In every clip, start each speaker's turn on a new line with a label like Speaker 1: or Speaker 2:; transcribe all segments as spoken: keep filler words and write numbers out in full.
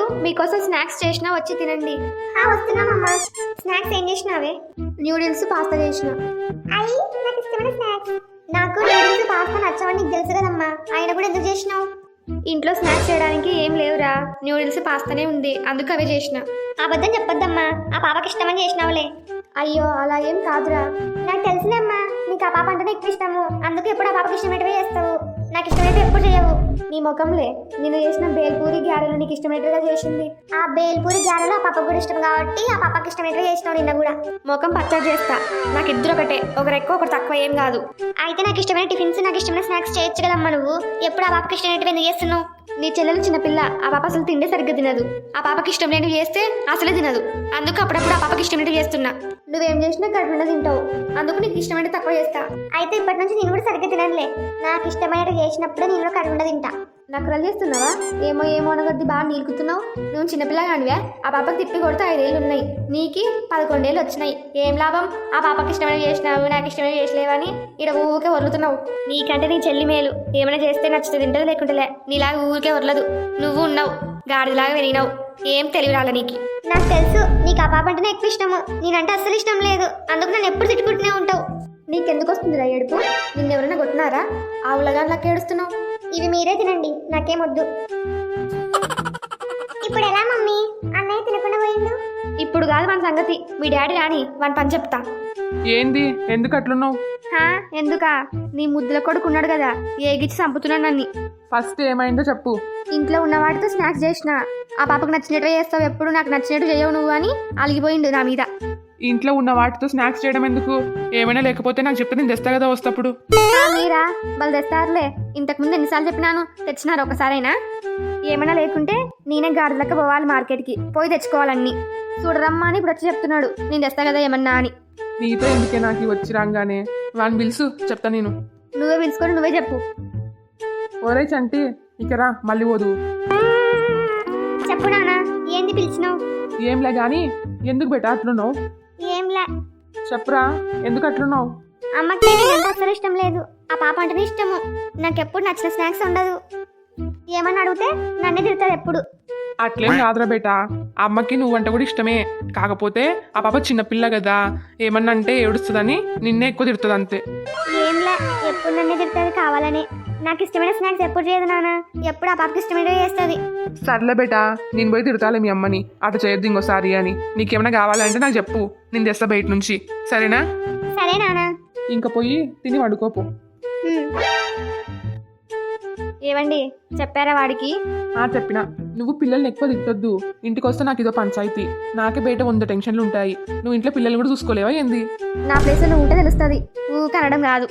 Speaker 1: మీకోసం స్నాక్స్ చేసినా వచ్చి తినండి.
Speaker 2: వస్తున్నామమ్మా. స్నాక్స్ ఏం చేసినావే?
Speaker 1: న్యూడిల్స్ పాస్తా చేసిన.
Speaker 2: అయ్యి నాకు ఇష్టమైన స్నాక్స్. నాకు నూడిల్స్ పాస్తా నచ్చవని నీకు తెలుసు కదమ్మా, ఆయన కూడా ఎందుకు చేసినావు?
Speaker 1: ఇంట్లో స్నాక్స్ చేయడానికి ఏం లేవురా, న్యూడిల్స్ పాస్తానే ఉంది, అందుకు అవే చేసిన.
Speaker 2: అబద్ధం చెప్పొద్దమ్మా, ఆ పాపకి ఇష్టమని చేసినావులే.
Speaker 1: అయ్యో అలా ఏం కాదురా.
Speaker 2: నాకు తెలుసులేమ్మా, నీకు ఆ పాప అంటేనే ఎక్కువ ఇష్టము, అందుకు ఎప్పుడు ఆ పాపకి ఇష్టమైనవే చేస్తావు, నాకు ఇష్టమైతే ఎప్పుడు చేయవు.
Speaker 1: నీ ముఖంలే, నేను చేసిన బేల్పూరి గ్యారెలు నీకు ఇష్టమైనట్టుగా చేసింది.
Speaker 2: ఆ బేల్పూరి గ్యారెలు ఆ పాపకు కూడా ఇష్టం కాబట్టి ఆ పాపకి ఇష్టమైనట్టుగా చేసినావు నిన్న కూడా.
Speaker 1: ముఖం పచ్చడి చేస్తా, నాకు ఇద్దరు ఒకటే, ఒకరు ఎక్కువ ఒకరు తక్కువ ఏం కాదు.
Speaker 2: అయితే నాకు ఇష్టమైన టిఫిన్స్ నాకు ఇష్టమైన స్నాక్స్ చేయొచ్చు కదమ్మా, నువ్వు ఎప్పుడు ఆ పాపకి ఇష్టమైనట్టు ఎందుకు చేస్తున్నావు?
Speaker 1: నీ చెల్లెలు చిన్నపిల్ల, ఆ పాప అసలు తిండే సరిగ్గా తినదు. ఆ పాపకి ఇష్టం లేనివి చేస్తే అసలే తినదు, అందుకు అప్పుడప్పుడు ఆ పాపకి ఇష్టమైనట్టు చేస్తున్నా. నువ్వేం చేసినా కడుపున తింటావు, అందుకు నీకు ఇష్టమైన తక్కువ చేస్తా.
Speaker 2: అయితే ఇప్పటి నుంచి నేను కూడా సరిగ్గా తిననులే, నాకు ఇష్టమైనట్టు చేసినప్పుడు నేను కూడా కడుపున తింటా.
Speaker 1: నకరాలు చేస్తున్నావా? ఏమో ఏమో అనగొద్ది బాగా నీలుకుతున్నావు. నువ్వు చిన్నపిల్లగానివే, ఆ పాపకి తిప్పి కొడితే ఐదేళ్ళు ఉన్నాయి, నీకి పదకొండేళ్ళు వచ్చినాయి. ఏం లాభం? ఆ పాపకి ఇష్టమైన చేసినావు, నాకు ఇష్టమైన చేసలేవని ఇక్కడ ఊరికే వదులుతున్నావు. నీకంటే నీ చెల్లి మేలు, ఏమైనా చేస్తే నచ్చితే తింటది, లేకుంటేలే. నీలాగా ఊరికే వదలదు. నువ్వు ఉన్నావు గాడిలాగా పెరిగినావు, ఏం తెలివి రాలే నీకు.
Speaker 2: నాకు తెలుసు నీకు ఆ పాప అంటేనే ఎక్కువ ఇష్టము, నేనంటే అస్సలు ఇష్టం లేదు, అందుకు నన్ను ఎప్పుడు తిట్టుకుంటూనే ఉంటావు.
Speaker 1: నీకెందుకు వస్తుందిరా ఏడుపు? నిన్నెవరైనా కొట్టినారా? ఆవులగాన్లకి ఏడుస్తున్నావు.
Speaker 2: ఇవి మీరే తినండి, నాకేమొద్దు. ఇప్పుడు ఎలా మమ్మీ? అన్నయ్య తినకుండా పోయిండు.
Speaker 1: ఇప్పుడు కాదు మన సంగతి, మీ డాడీ రాని వాని పని చెప్తా.
Speaker 3: ఏంది, ఎందుకు అట్లున్నావు?
Speaker 1: హా ఎందుకా? నీ ముద్దుల కొడుకున్నాడు కదా, ఏగిచ్చి చంపుతున్నాడు నన్ను.
Speaker 3: ఫస్ట్ ఏమైందో చెప్పు.
Speaker 1: ఇంట్లో ఉన్న వాటితో స్నాక్స్ చేసిన, ఆ పాపకు నచ్చినట్టు చేస్తావు, ఎప్పుడు నాకు నచ్చినట్టు చేయవు నువ్వు అని అలిగిపోయిండు నా మీద.
Speaker 3: ఇంట్లో ఉన్న వాటితో స్నాక్స్ చేయడం ఎందుకు? ఏమైనా లేకపోతే నాకు చెప్తే నేను తెస్తా కదా వస్తప్పుడు.
Speaker 1: మీరా వాళ్ళు తెస్తారులే, ఇంతకు ముందు ఎన్నిసార్లు చెప్పినాను, తెచ్చినారు ఒకసారైనా? ఏమైనా లేకుంటే నేనే గాడిదలక్క పోవాలి మార్కెట్కి, పోయి తెచ్చుకోవాలన్నీ. చూడరమ్మా అని ఇప్పుడు వచ్చి చెప్తున్నాడు, నేను తెస్తా కదా ఏమన్నా అని.
Speaker 3: నీతో ఎందుకే నాకు వచ్చి రాగానే? వాడిని పిలుసు, చెప్తా నేను.
Speaker 1: నువ్వే పిలుచుకొని నువ్వే చెప్పు.
Speaker 3: ఒరే చంటి, ఇక రా, మళ్ళీ పోదు.
Speaker 2: చెప్పు నాన్న, ఏంది పిలిచినావు?
Speaker 3: ఏంలే గాని ఎందుకు బెట అట్లున్నావు?
Speaker 2: ఏంలే.
Speaker 3: చెప్పురా, ఎందుకు అట్లున్నావు?
Speaker 2: అమ్మకి నేనంటే అస్సలు ఇష్టం లేదు, ఆ పాప అంటేనే ఇష్టము, నాకెప్పుడు నచ్చిన స్నాక్స్ ఉండదు. ఏమన్నా అడిగితే నన్నే తిడతాడు ఎప్పుడు.
Speaker 3: అట్లేం కాదురా బేట, అమ్మకి నువ్వంటే కూడా ఇష్టమే, కాకపోతే ఆ పాప చిన్నపిల్ల కదా, ఏమన్నా అంటే ఏడుస్తుందని నిన్నే ఎక్కువ తిడుతుంది అంతే.
Speaker 2: ఏంలే, ఎప్పుడు నన్నే తిడుతుంది కావాలని. నాకు ఇష్టమైన స్నాక్స్ ఎప్పుడు చేయదు నాన్న, ఎప్పుడు ఆ పాపకి ఇష్టమైనవి చేస్తుంది.
Speaker 3: సర్లే బేట, నేను పోయి తిడతాలే మీ అమ్మని, అటు చేయొద్దు ఇంకోసారి అని. నీకేమైనా కావాలంటే నాకు చెప్పు, నేను తెస్తా బయట నుంచి, సరేనా?
Speaker 2: సరే నాన్న.
Speaker 3: ఇంకా పోయి తిని వండుకోపో.
Speaker 1: ఏవండి చెప్పారా వాడికి?
Speaker 3: ఆ చెప్పినా, నువ్వు పిల్లల్ని ఎక్కువ తిట్టొద్దు, ఇంటికి వస్తే నాకు ఇదో పంచాయతీ, నాకే బయట వంద టెన్షన్లు ఉంటాయి, నువ్వు ఇంట్లో పిల్లల్ని కూడా చూసుకోలేవా ఏంది?
Speaker 1: నా ప్లేస్లో నువ్వు ఉంటే తెలుస్తుంది, ఊక అనడం కాదు.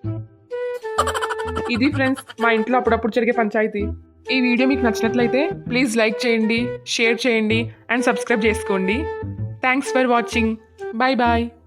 Speaker 3: ఇది ఫ్రెండ్స్ మా ఇంట్లో అప్పుడప్పుడు జరిగే పంచాయతీ. ఈ వీడియో మీకు నచ్చినట్లయితే ప్లీజ్ లైక్ చేయండి, షేర్ చేయండి అండ్ సబ్స్క్రైబ్ చేసుకోండి. Thanks for watching. Bye bye.